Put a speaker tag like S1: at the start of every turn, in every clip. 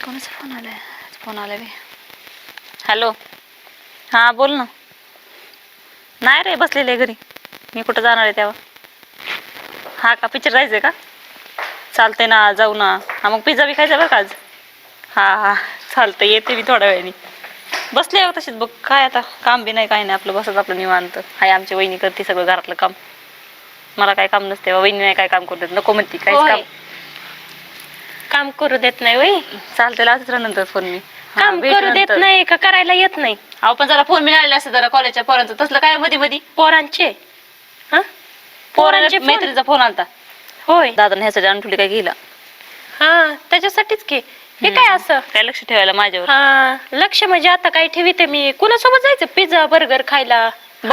S1: कोणाचा फोन आलाय? फोन आलाय. हॅलो, हां बोल ना. नाही रे, बसलेले घरी. मी कुठं जाणार आहे तेव्हा? हा का, पिक्चर जायचंय का? चालतंय ना, जाऊ ना. हा मग पिझ्झा बी खायचा बरं का आज. हा हा चालतंय, येते मी थोड्या वेळाने. बसले हो तशीच बघ, काय आता काम बी नाही काय नाही, आपलं बसत आपलं निवांत. हाय आमची वहिनी करते सगळं घरातलं काम. मला काय काम नसते, वहिनी नाही काय काम करू देत, नको म्हणते काहीच काम.
S2: काम करू देत नाही वय.
S1: चालतंय, लावतेच नंतर फोन मी.
S2: काम करू देत नाही का करायला येत नाही?
S1: अहो पण जरा फोन मिळाले असते जरा कॉलेजच्या पोरांचं, तसलं काय मध्ये मध्ये
S2: पोरांचे
S1: पोरांचे मैत्रीचा फोन आलता.
S2: होय,
S1: दादा ह्यासाठी आणून काय गेला.
S2: हा त्याच्यासाठीच की. हे काय असं
S1: काय लक्ष ठेवायला माझ्यावर?
S2: हा लक्ष म्हणजे आता काय ठेवीते मी? कुणासोबत जायचं पिझ्झा बर्गर खायला?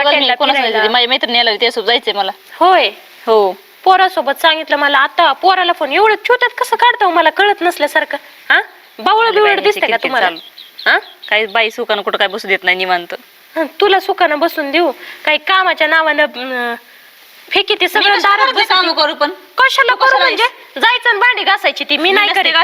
S1: माझ्या मैत्रिणी आला त्यासोबत जायचंय मला.
S2: होय
S1: हो,
S2: पोरासोबत सांगितलं मला. आता पोराला फोन एवढं छोट्यात कसं काढतो मला कळत नसल्यासारखं. हा बावळ बिवळ दिसते का तुम्हाला? हा
S1: काही बाई सुखानं कुठं काय बसू देत नाही निवांत.
S2: तुला सुखानं बसून देऊ? काही कामाच्या नावानं फेकी ते सगळं दारात
S1: काम करू पण
S2: कशाला करू? म्हणजे जायचं आणि भांडी घासायची ती मी नाही करीत.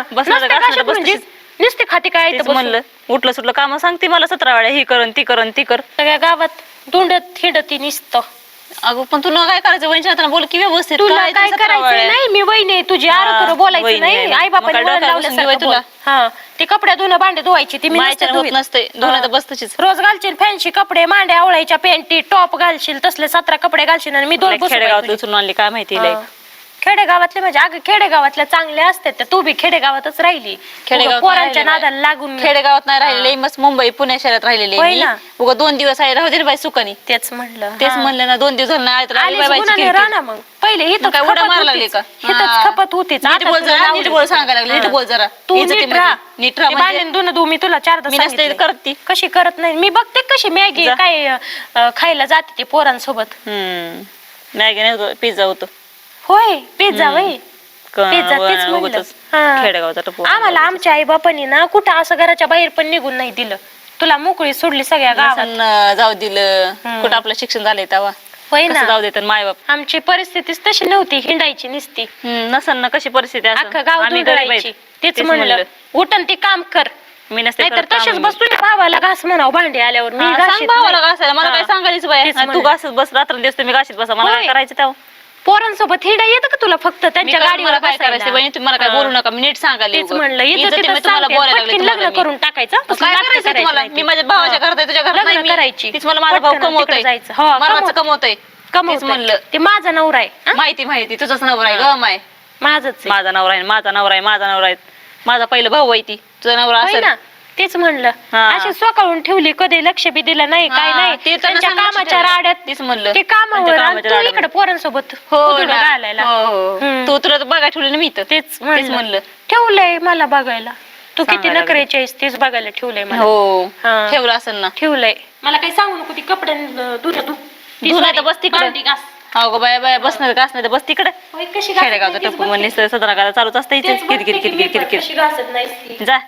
S2: म्हणजे नुसते खाती काय
S1: म्हणलं उठलं सुटलं काम सांगते मला 17 वेळा, ही करन ती करन ती कर.
S2: सगळ्या गावात धुंडत हिंडती निसतं.
S1: अगं पण तुला काय करायचं? वहिनी बोल की व्यवस्थित.
S2: तुला काय करायचं नाही? मी वहिनी तुझी आरोग्य बोलायचं नाही. आई बापाने तुला. हा ते कपडे धुणं भांडे धुवायची ती मी
S1: होत नसते. धुणं बस तशीच
S2: रोज घालशील फॅन्सी कपडे, मांड्या आवळायच्या, पेंटी टॉप घालशील, तसले 17 कपडे घालशील आणि मी 2
S1: खेडेगावात उचलून आणली काय माहिती.
S2: खेडेगावातले म्हणजे अगं खेडेगावातल्या चांगल्या असतात त्या. तू बी खेडेगावातच राहिली, पोरांच्या नादाला लागून.
S1: खेडेगावात नाही राहिलेले, मस्त मुंबई पुणे शहरात राहिलेले. उगा 2 दिवस आहे राहू दे बाई सुखानी.
S2: तेच म्हणलं
S1: ना 2 दिवस
S2: राहणार. मग पहिले इथं
S1: काय उड्या मारायला लागले का?
S2: इथंच खपत होतीच.
S1: नीट बोल जरा, नीट बोल सांगायला लागले. नीट बोल जरा.
S2: तू नीट राहा.
S1: नीट राहा
S2: भांडण धुणं धु मी तुला 4दा
S1: करते.
S2: कशी करत नाही मी बघते कशी मॅगी काय खायला जाते ती पोरांसोबत.
S1: मॅगी नाही, पिझ्झा होतो.
S2: होय पिझ्झा वय पिझ्झा तेच म्हणलं.
S1: खेडेगावात
S2: आम्हाला आमच्या आई बापांनी ना कुठं असं घराच्या बाहेर पण निघून नाही दिलं. तुला मोकळी सोडली सगळ्या गावात.
S1: जाऊ दिलं कुठं आपलं शिक्षण झालंय तेव्हा.
S2: होय ना,
S1: जाऊ देत माय बाप.
S2: आमची परिस्थितीच तशी नव्हती, हिंडायची निसती.
S1: नसन ना कशी परिस्थिती
S2: अख्खं गाव धुंडळायची. तेच म्हणलं उठन ते काम कर.
S1: मी नसते
S2: तर तसेच बस तुझ्या भावाला घास म्हणाव भांडी आल्यावर. मी
S1: भावाला घासायला मला काय सांगायचं बाय? तू घासत बस रात्र दिवस मी घासीत बसा. मला काय करायचं तेव्हा?
S2: पोरांसोबत हिंडा येतं का तुला? फक्त त्यांच्या गाडीवर
S1: काय करायचं बहिणी? तुम्ही मला काय बोलू नका, मी नीट सांगायला.
S2: तेच म्हणलं लग्न करून टाकायचं.
S1: मी माझ्या भावाच्या घरात आहे, तुझ्या घरात नाही
S2: करायची.
S1: तीच मला माझा भाऊ कमवतोय, कमवतोय.
S2: म्हणलं ते माझा नवरा आहे.
S1: माहिती तुझाच नवरा आहे ग. माय
S2: माझाच
S1: माझा नवरा आहे, माझा नवरा आहे, माझा नवरा आहे. माझा पहिला भाऊ आहे ती. तुझा नवरा असेल ना.
S2: तेच म्हणलं अशी स्वकाळून ठेवली, कधी लक्ष बी दिलं नाही काय नाही.
S1: ते
S2: त्यांच्या कामाच्या राड्यात
S1: तीच म्हणलं
S2: ते कामावर इकडे पोरांसोबत घालायला.
S1: तू तुला बघायला ठेवलं ना मी तर.
S2: तेच म्हणलं ठेवलंय मला बघायला. तू किती नखरेची आहेस तेच बघायला ठेवलंय मला.
S1: हो ठेवलं असेल ना.
S2: ठेवलंय. मला काही सांगू नको. ती कपडे
S1: धुणं बस तिकडे. हो ग बाय बाय, बसणार घास नाही तर बस तिकडे. खेडेगावचं टप्पू म्हणणे 17 गाला चालूच असतं इथे. किरकिर किरकिर किरकिर जा.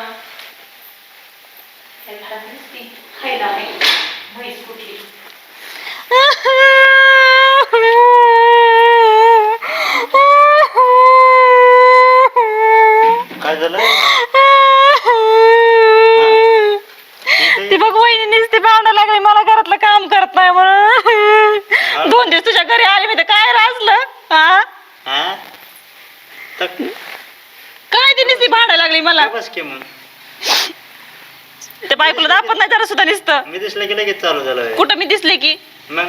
S3: काय झालं?
S1: ती बघ वहिनी नुसती भांडा लागली मला, घरातलं काम करत नाही म्हणून. 2 दिवस तुझ्या घरी आले मी तर काय राजलं. काय ती नुसती भांडा लागली मला.
S3: बस की मग
S1: ते बायकोला दापत नाही जरा सुद्धा नुसतं.
S3: मी दिसलं की लगेच चालू झालं.
S1: कुठं मी दिसले की
S3: मग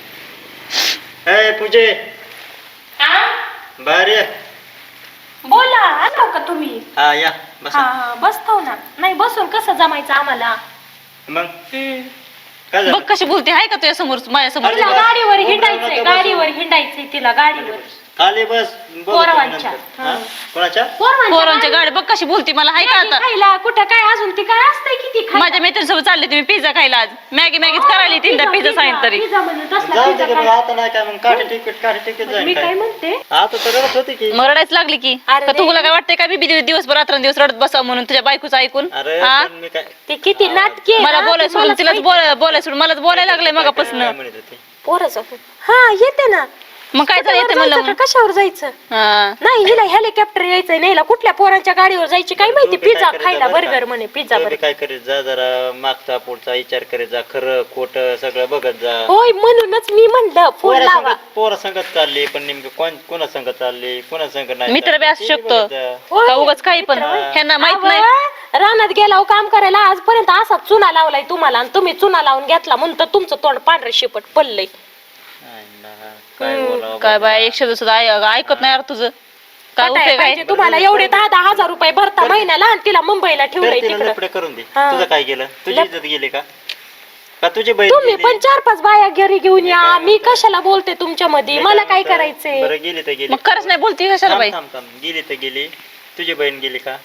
S3: पूजे बाहेर ये.
S2: बोला आलो का तुम्ही?
S3: हा या बस.
S2: बसतो ना. नाही बसून कसं जमायचं आम्हाला?
S3: मग काय
S1: बघ
S3: झालं?
S1: कशी बोलते. आहे का तुझ्या समोर माझ्या समोर?
S2: तिला गाडीवर हिंडायचंय, गाडीवर हिंडायचंय तिला गाडीवर.
S3: खाली बस.
S2: पोरांच्या.
S3: कोणाच्या?
S1: पोरांच्या गाडी बघ कशी बोलते मला. आहे का आता?
S2: खायला कुठं काय अजून ती काय असतंय किती
S1: माझ्या मैत्रिणीसोबत चालले तुम्ही पिझ्झा खायला. आज मॅगीच करायला 3दा पिझ्झा सांगितलं तरी.
S3: जाऊ दे की मग आता नाही काय मग काठी टिकीट जाईल
S2: मी काय
S3: काय
S2: म्हणते
S3: आता तर रडत होती की.
S1: मग रडायच लागली की.
S2: अरे
S1: का तुला काय वाटतंय का मी दिवसभर रात्रंदिवस रडत बसा म्हणून तुझ्या बायकोचं ऐकून?
S3: अरे
S1: हा?
S3: पण मी काय
S2: ते किती नाटकी
S1: मला बोलायला सोडून तिलाच बोलायला सोडून मलाच बोलायला लागलंय मगापासून.
S3: काय म्हणत होती?
S2: पोराचं हा येते ना.
S1: मग काय झालं येते म्हणलं
S2: जायचं
S1: म्हणून.
S2: का? कशावर जायचं?
S1: हा.
S2: नाही हिला हेलिकॉप्टर यायचंय नाही हिला कुठल्या पोरांच्या गाडीवर जायची काय माहिती. पिझ्झा खायला बर्गर म्हणे पिझ्झा
S3: तू बी
S2: बर्गर.
S3: काय करीत जा जरा मागचा पुढचा विचार करीत जा खरं खोट सगळं बघत जा.
S2: होय म्हणूनच मी म्हणलं फोन लावा.
S3: पोरा संगत चालली पण नेमकं कोणा संगत चालली कोणा संगत नाही
S1: मित्र बी असू
S3: चालली, ते
S1: शकतो.
S3: बघत जा.
S2: होय.
S1: का उगाच काही पण ह्यांना माहित नाही.
S2: अहो, रानात गेला काम करायला आजपर्यंत असा चुना लावलाय तुम्हाला आणि तुम्ही चुना लावून घेतला म्हणून तर तुमचं तोंड पांढरे शिपट पडलंय.
S3: आई ना, काय बोलावं
S1: काय
S3: बाबा.
S1: बाय एक शब्द सुद्धा ऐकत नाही यार तुझं. काय
S2: पटाय
S1: उपयोग
S2: पाहिजे
S1: आहे?
S2: तुम्हाला एवढे 10,000 रुपये भरता महिन्याला आणि तिला मुंबईला
S3: तर
S2: ठेवलंय
S3: तिला
S2: तिकडं.
S3: लफडे करून दे
S2: हा.
S3: तुझं काय गेलं तुझी इज्जत गेली का का तुझी बहीण
S2: तुम्ही
S3: गेली?
S2: पण 4-5 बाया घरी घेऊन या.
S3: काय
S2: मी
S3: म्हणतो?
S2: कशाला बोलते तुमच्या मध्ये
S3: मी
S2: मला काय
S3: म्हणतो?
S2: करायचंय.
S3: बरं गेली तर गेली
S1: मग खरंच नाही बोलती कशाला बाई?
S3: थांब थांब थांब. गेली तर गेली तुझी बहीण गेली का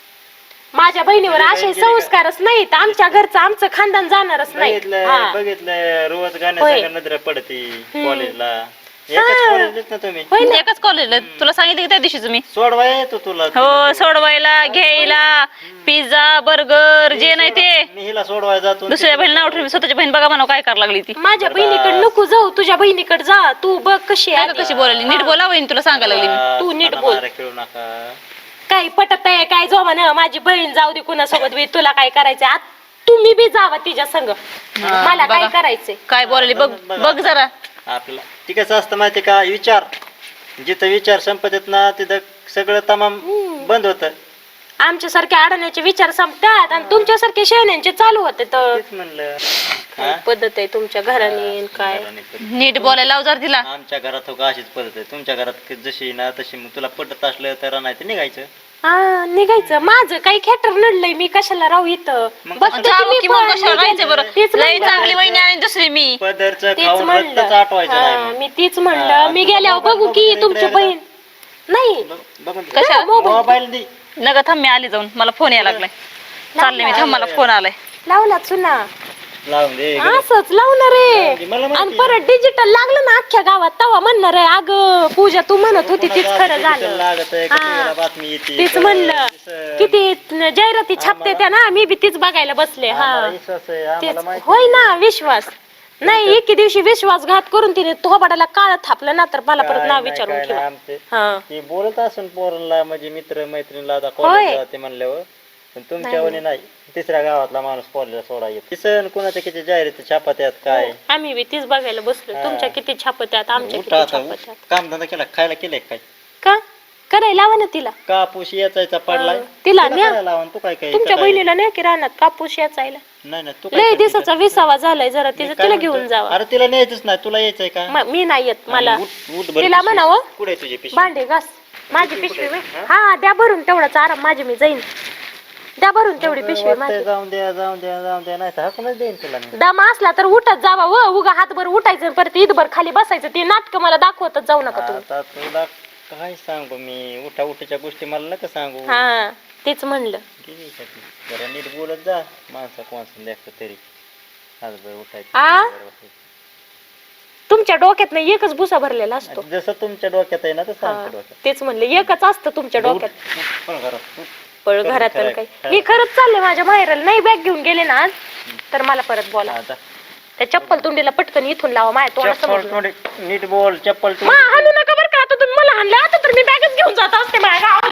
S2: माझ्या बहिणीवर
S3: तुझी
S2: असे
S3: बहीण गेली का?
S2: संस्कारच नाहीत आमच्या घरचं आमचं खानदान जाणारच नाही.
S3: बघितलं
S2: हा.
S3: बघितलं रोज
S2: होय.
S3: गाण्याचा नजर पडते कॉलेजला एकाच कॉलेजलाच ना तुम्ही
S2: होय ना.
S1: एकाच कॉलेजला तुला सांगितलं की त्या दिवशीच मी.
S3: सोडवा येतो तुला
S1: हो सोडवायला घ्यायला पिझ्झा बर्गर जे नाही ते.
S3: मी हिला सोडवायला जातो
S1: दुसऱ्या बहीण नाव ठेवून स्वतःची बहीण बघा म्हणा काय करायला लागली ती.
S2: माझ्या बहिणीकडे नको जाऊ तुझ्या बहिणीकडे जा. तू बघ कशी
S1: काय
S2: आहे
S1: का कशी बोलायली नीट बोला वहीन तुला सांगायला लागली मी.
S2: तू नीट
S3: मला
S2: बोल.
S3: मारा खेळू नका
S2: काय पटत आहे काय जोमान माझी बहीण जाऊ दे कुणासोबत बी तुला काय करायचंय तुम्ही बी जावा तिच्या संग. मला काय
S1: बघा.
S2: करायचंय.
S1: काय बोलायली बघ बघ जरा.
S3: आपल्याला ती कसं असतं माहिती का विचार जिथं विचार संपत ना तिथं सगळं तमाम बंद होतं
S2: आमच्यासारखे अडण्याचे विचार संपतात आणि तुमच्यासारखे शेण्यांचे चालू होते तर
S3: तेच म्हणलं
S2: काय पद्धत आहे तुमच्या घराने काय.
S1: नीट बोलायला लाव जर तिला.
S3: आमच्या घरात हो का अशीच पद्धत आहे तुमच्या घरात जशी ना तशी मग तुला पटत असलं तर नाही तर निघायचं
S2: हा निघायचं. माझं काही खेटर नडलंय मी कशाला राहू इथं.
S3: मग
S2: बघते
S1: जावं
S2: तुम्ही
S1: की मग
S2: पण,
S1: कशाला
S2: मी
S1: राहायचं बरं.
S2: तेच
S1: लय
S2: म्हणलं.
S1: चांगली वहिनी आणि दुसरी मी.
S3: पदरचं
S2: तेच
S3: खाऊन
S2: म्हणलं.
S3: रक्तच आटवायचं नाही
S2: हा,
S3: मग.
S2: मी तीच म्हणलं
S3: हा,
S2: मी
S3: तुझं
S2: गेल्यावर
S3: मोबाईल
S2: बघू की
S3: बघून
S2: तुमची
S3: इकडे
S2: बहीण नाही
S3: बघून
S1: कशा?
S3: मोबाईल दे
S1: नका थांब मी आली जाऊन मला फोन यायला लागलाय. चालले मी थांब मला फोन आलाय.
S2: लावला चुना
S3: लावून दे
S2: असंच लावणार आहे.
S3: मला माहिती
S2: आणि परत डिजिटल लागलं ना अख्ख्या गावात तवा म्हणणार आहे अगं पूजा तू म्हणत होती तीच खरं झालं.
S3: लागत आहे
S2: हा.
S3: बातमी येते
S2: तीच म्हणलं किती जाहिराती छापते त्या ना मी बी तीच बघायला बसले. हा
S3: विश्वास आहे आम्हाला
S2: तेच
S3: माहिती
S2: होय ना विश्वास नाही. एके दिवशी विश्वासघात करून तिने थोबाडाला काळ थापलं ना तर मला परत नाव विचारून ठेवा.
S3: आमचे
S2: हा
S3: ती बोलत असून पोरांना म्हणजे मित्र मैत्रिणीला आता
S2: होय.
S3: कॉलेज जाते म्हणल्यावर पण तुमच्या वणी नाही तिसऱ्या गावातला माणूस कॉलेजला सोडा येतो सण कुणाच्या किती जाहिराती छापात्यात काय
S2: आम्ही बी तीच बघायला बसलो. तुमच्या किती छापत्यात आमच्या
S3: उठा
S2: किती
S3: आता
S2: छापत्यात.
S3: काम धंदा केला खायला केलंय काय
S2: का करायला लावा ना तिला.
S3: कापूस याचायचा पडलाय
S2: तिला न्या.
S3: करायला लावा ना, तू काय काय
S2: तुमच्या
S3: इथं काय?
S2: बहिणीला नाही की रानात कापूस याचायला
S3: नाही नाही तू काय
S2: लय
S3: करते
S2: दिवसाचा विसावा झालाय जरा
S3: मी
S2: तिचं
S3: काय
S2: तिला
S3: म्हणतो?
S2: घेऊन जावा.
S3: अरे तिला न्यायचंच नाही तुला यायचंय का
S2: मी नाही येत मला
S3: उठ बरं
S2: तिला
S3: पिशवी.
S2: म्हणावं
S3: कुठे आहे तुझी पिशवी
S2: भांडे घास माझी पिशवी होय. हा द्या भरून तेवढाच आराम माझी मी जाईन. द्या भरून तेवढी पिशवी
S3: वाटतंय
S2: माझी.
S3: जाऊन द्या जाऊन द्या जाऊन द्या नाही तर हाकूनच देईन तुला मी.
S2: दम असला तर उठत जावा व उगा हातभर उठायचं परत ईदभर खाली बसायचं. ते नाटक मला दाखवतच जाऊ नका तुम्ही.
S3: आता तुला काय सांगू मी उठा उठीच्या गोष्टी मला नका सांगू
S2: हा तेच म्हणलं.
S3: गेली का ती? जरा नीट बोलत जा माणसा कोणचं लेकरं तरी आज बरं उठायचं
S2: आ?
S3: बरं बसायचं.
S2: तुमच्या डोक्यात नाही एकच भुसा भरलेला असतो.
S3: जसं तुमच्या डोक्यात आहे ना तसं
S2: हा,
S3: आमच्या डोक्यात
S2: तेच म्हणलं एकच असतं तुमच्या
S3: उठ,
S2: डोक्यात.
S3: उठ, पण घरात उठ.
S2: पळ
S3: खरं,
S2: घरात
S3: खरं,
S2: काही
S3: खरं.
S2: मी खरंच चालले माझ्या माहेराला नाही बॅग घेऊन गेले ना आज तर मला परत बोला.
S3: आता
S2: त्या चप्पल तुंडीला पटकन इथून लावा माझ्या तोंडासमोर.
S3: चप्पल थोडी नीट बोल चप्पल
S2: मा हाणू नका बरं का आता तुम्ही मला हाणलं आता तर मी बॅगच घेऊन जात असते माझ्या गावात.